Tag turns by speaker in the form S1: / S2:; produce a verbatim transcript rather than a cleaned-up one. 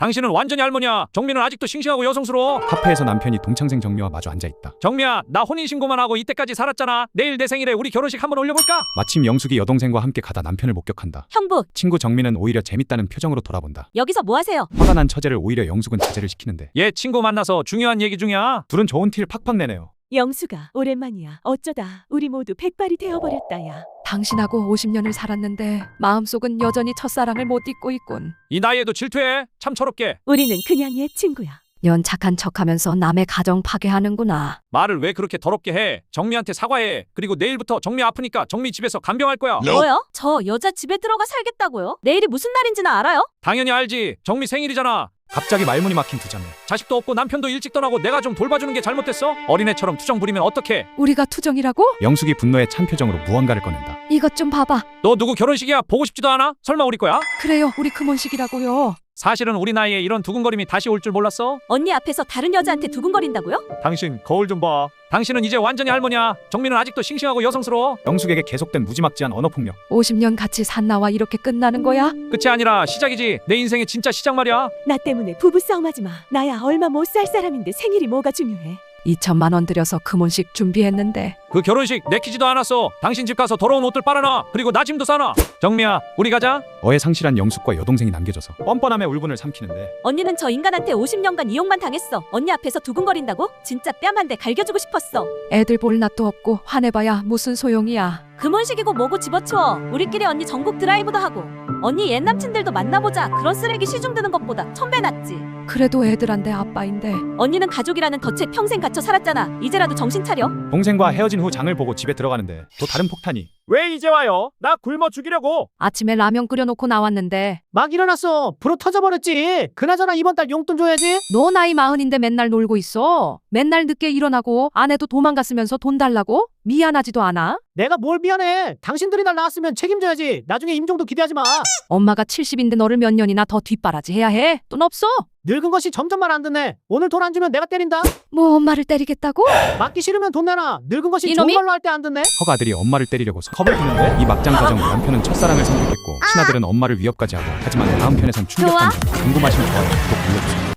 S1: 당신은 완전히 할머니야. 정미는 아직도 싱싱하고 여성스러워.
S2: 카페에서 남편이 동창생 정미와 마주 앉아있다.
S1: 정미야, 나 혼인신고만 하고 이때까지 살았잖아. 내일 내 생일에 우리 결혼식 한번 올려볼까?
S2: 마침 영숙이 여동생과 함께 가다 남편을 목격한다.
S3: 형부,
S2: 친구 정미는 오히려 재밌다는 표정으로 돌아본다.
S3: 여기서 뭐 하세요?
S2: 화가 난 처제를 오히려 영숙은 자제를 시키는데
S1: 얘 친구 만나서 중요한 얘기 중이야.
S2: 둘은 좋은 티를 팍팍 내네요.
S4: 영수가 오랜만이야. 어쩌다 우리 모두 백발이 되어버렸다야.
S5: 당신하고 오십 년을 살았는데 마음속은 여전히 첫사랑을 못 잊고 있군.
S1: 이 나이에도 질투해? 참 철없게.
S4: 우리는 그냥 옛 친구야.
S5: 연 착한 척하면서 남의 가정 파괴하는구나.
S1: 말을 왜 그렇게 더럽게 해? 정미한테 사과해. 그리고 내일부터 정미 아프니까 정미 집에서 간병할 거야.
S3: 뭐요? 저 여자 집에 들어가 살겠다고요? 내일이 무슨 날인지는 알아요?
S1: 당연히 알지. 정미 생일이잖아.
S2: 갑자기 말문이 막힌 두 자매.
S1: 자식도 없고 남편도 일찍 떠나고 내가 좀 돌봐주는 게 잘못됐어? 어린애처럼 투정 부리면 어떡해?
S5: 우리가 투정이라고?
S2: 영숙이 분노에 찬 표정으로 무언가를 꺼낸다.
S5: 이것 좀 봐봐.
S1: 너 누구 결혼식이야? 보고 싶지도 않아? 설마 우리 거야?
S5: 그래요, 우리 금혼식이라고요.
S1: 사실은 우리 나이에 이런 두근거림이 다시 올 줄 몰랐어?
S3: 언니 앞에서 다른 여자한테 두근거린다고요?
S1: 당신 거울 좀 봐. 당신은 이제 완전히 할머니야. 정민은 아직도 싱싱하고 여성스러워.
S2: 영숙에게 계속된 무지막지한 언어폭력.
S5: 오십 년 같이 산 나와 이렇게 끝나는 거야?
S1: 끝이 아니라 시작이지. 내 인생의 진짜 시작 말이야.
S4: 나 때문에 부부싸움하지 마. 나야 얼마 못 살 사람인데 생일이 뭐가 중요해.
S5: 이천만 원 들여서 금혼식 준비했는데
S1: 그 결혼식 내키지도 않았어. 당신 집 가서 더러운 옷들 빨아놔. 그리고 나 짐도 싸놔. 정미야, 우리 가자.
S2: 어에 상실한 영숙과 여동생이 남겨져서 뻔뻔함에 울분을 삼키는데
S3: 언니는 저 인간한테 오십 년간 이용만 당했어. 언니 앞에서 두근거린다고? 진짜 뺨 한 대 갈겨주고 싶었어.
S5: 애들 볼 낯도 없고 화내봐야 무슨 소용이야.
S3: 금혼식이고 뭐고 집어치워. 우리끼리 언니 전국 드라이브도 하고 언니 옛 남친들도 만나보자. 그런 쓰레기 시중 드는 것보다 천 배 낫지.
S5: 그래도 애들한테 아빠인데.
S3: 언니는 가족이라는 덫에 평생 갇혀 살았잖아. 이제라도 정신 차려.
S2: 동생과 헤어진 후 장을 보고 집에 들어가는데 또 다른 폭탄이.
S1: 왜 이제 와요? 나 굶어 죽이려고.
S5: 아침에 라면 끓여놓고 나왔는데
S6: 막 일어났어. 불어 터져버렸지. 그나저나 이번 달 용돈 줘야지.
S5: 너 나이 마흔인데 맨날 놀고 있어. 맨날 늦게 일어나고 아내도 도망갔으면서 돈 달라고? 미안하지도 않아?
S6: 내가 뭘 미안해. 당신들이 날 낳았으면 책임져야지. 나중에 임종도 기대하지 마.
S5: 엄마가 칠십인데 너를 몇 년이나 더 뒷바라지 해야 해? 돈 없어?
S6: 늙은 것이 점점 말 안 듣네. 오늘 돈 안 주면 내가 때린다.
S5: 뭐 엄마를 때리겠다고?
S6: 맞기 싫으면 돈 내놔. 늙은 것이 좋은
S5: 이놈이?
S6: 걸로 할 때 안 듣네.
S2: 허가 아들이 엄마를 때리려고 컵을 드는데 이 막장 과정 남편은 첫사랑을 선택했고 친아들은 엄마를 위협까지 하고 하지만 다음 편에선 충격적인 궁금하시면 좋아요 구독 눌러주세요.